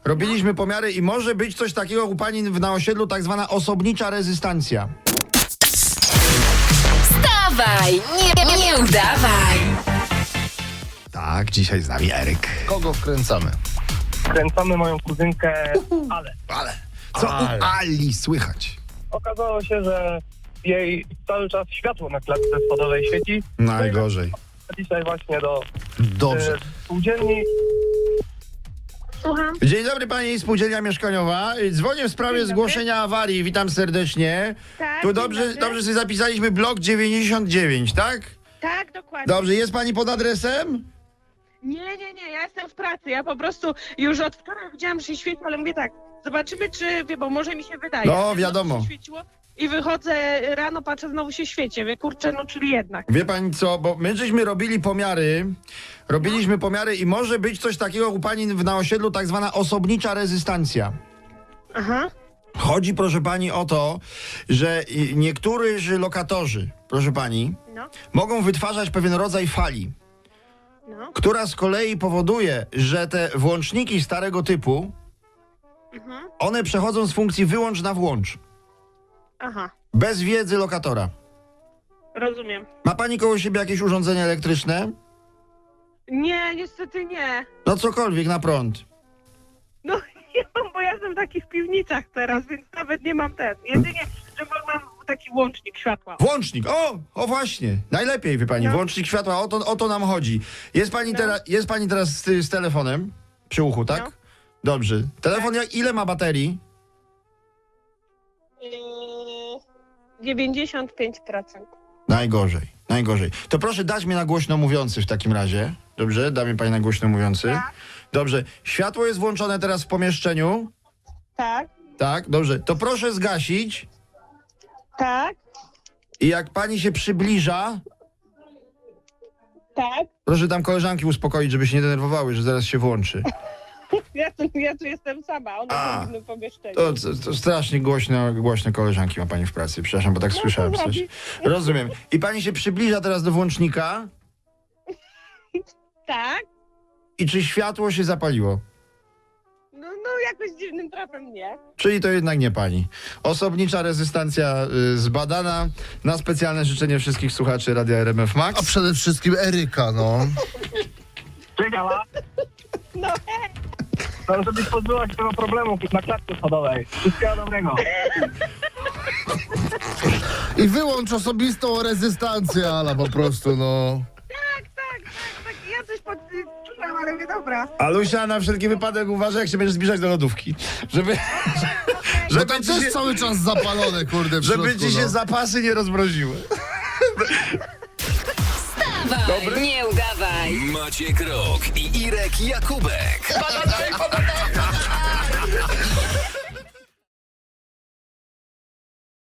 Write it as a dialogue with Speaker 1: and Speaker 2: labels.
Speaker 1: Robiliśmy pomiary i może być coś takiego u pani na osiedlu, tak zwana osobnicza rezystancja.
Speaker 2: Wstawaj, nie udawaj.
Speaker 1: Tak, dzisiaj z nami Eryk.
Speaker 3: Kogo wkręcamy?
Speaker 4: Kręcamy moją kuzynkę, ale
Speaker 1: Co u Ali słychać?
Speaker 4: okazało się, że jej cały czas światło na klatce schodowej świeci.
Speaker 1: Najgorzej.
Speaker 4: Dzisiaj właśnie do
Speaker 1: Dobrze.
Speaker 4: spółdzielni.
Speaker 5: Słucham.
Speaker 1: Dzień dobry, pani spółdzielnia mieszkaniowa. Dzwonię w sprawie
Speaker 5: Dzień dobry.
Speaker 1: zgłoszenia awarii. Witam serdecznie.
Speaker 5: Tak,
Speaker 1: Tu
Speaker 5: dzień
Speaker 1: dobrze
Speaker 5: dobry.
Speaker 1: sobie zapisaliśmy blok 99, tak?
Speaker 5: Tak, dokładnie.
Speaker 1: Dobrze, jest pani pod adresem?
Speaker 5: Nie, ja jestem w pracy. Ja po prostu już od wczoraj widziałam, że się świeci, ale mówię tak, zobaczymy, czy wie, bo może mi się wydaje.
Speaker 1: No,
Speaker 5: że
Speaker 1: wiadomo.
Speaker 5: się świeciło I wychodzę rano, patrzę, znowu się świeci. Wie, kurczę, no czyli jednak.
Speaker 1: Wie pani co, bo my żeśmy robiliśmy pomiary i może być coś takiego u pani na osiedlu, tak zwana osobnicza rezystancja.
Speaker 5: Aha.
Speaker 1: Chodzi, proszę pani, o to, że niektórzy lokatorzy, proszę pani,
Speaker 5: No,
Speaker 1: mogą wytwarzać pewien rodzaj fali,
Speaker 5: no.
Speaker 1: która z kolei powoduje, że te włączniki starego typu,
Speaker 5: Mhm.
Speaker 1: one przechodzą z funkcji wyłącz na włącz.
Speaker 5: Aha.
Speaker 1: Bez wiedzy lokatora.
Speaker 5: Rozumiem.
Speaker 1: Ma pani koło siebie jakieś urządzenie elektryczne?
Speaker 5: Nie, niestety nie.
Speaker 1: No cokolwiek na prąd.
Speaker 5: No, bo ja jestem w takich piwnicach teraz, więc nawet nie mam ten. Jedynie, że mam taki łącznik światła.
Speaker 1: Włącznik! O właśnie! Najlepiej, wie pani,
Speaker 5: No.
Speaker 1: włącznik światła, o to nam chodzi. Jest pani,
Speaker 5: No.
Speaker 1: jest pani teraz z telefonem przy uchu, tak?
Speaker 5: No.
Speaker 1: Dobrze. Telefon ile ma baterii?
Speaker 5: 95%.
Speaker 1: Najgorzej. To proszę dać mnie na głośno mówiący w takim razie. Dobrze? Da mi pani na głośno mówiący.
Speaker 5: Tak.
Speaker 1: Dobrze. Światło jest włączone teraz w pomieszczeniu.
Speaker 5: Tak,
Speaker 1: Tak, dobrze. To proszę zgasić
Speaker 5: tak,
Speaker 1: i jak pani się przybliża,
Speaker 5: tak.
Speaker 1: proszę tam koleżanki uspokoić, żeby się nie denerwowały, że zaraz się włączy.
Speaker 5: Ja tu jestem sama, ona jest w innym pomieszczeniu.
Speaker 1: To strasznie głośne koleżanki ma pani w pracy. Przepraszam, bo tak słyszałem
Speaker 5: co
Speaker 1: coś.
Speaker 5: zrobić?
Speaker 1: Rozumiem. I pani się przybliża teraz do włącznika
Speaker 5: Tak?
Speaker 1: i czy światło się zapaliło?
Speaker 5: No jakoś dziwnym trafem nie.
Speaker 1: Czyli to jednak nie pani. Osobnicza rezystancja zbadana na specjalne życzenie wszystkich słuchaczy Radia RMF Max.
Speaker 3: A przede wszystkim Eryka, no.
Speaker 4: Cześć, Ala.
Speaker 5: No
Speaker 4: No, żebyś pozbyła się tego problemu na klatce schodowej. Wszystkiego dobrego.
Speaker 3: I wyłącz osobistą rezystancję, Ala, po prostu, no.
Speaker 5: tak, ja coś podczułam, ale mówię, dobra.
Speaker 1: Alusia, na wszelki wypadek uważaj, jak się będziesz zbliżać do lodówki. Żeby
Speaker 3: Że
Speaker 1: ci
Speaker 3: tam
Speaker 1: się,
Speaker 3: też cały czas zapalone, kurde, w
Speaker 1: żeby
Speaker 3: środku,
Speaker 1: ci się
Speaker 3: no.
Speaker 1: zapasy nie rozmroziły.
Speaker 2: Wstawaj, nie udawaj.
Speaker 6: Maciek Rok i Irek Jakubek.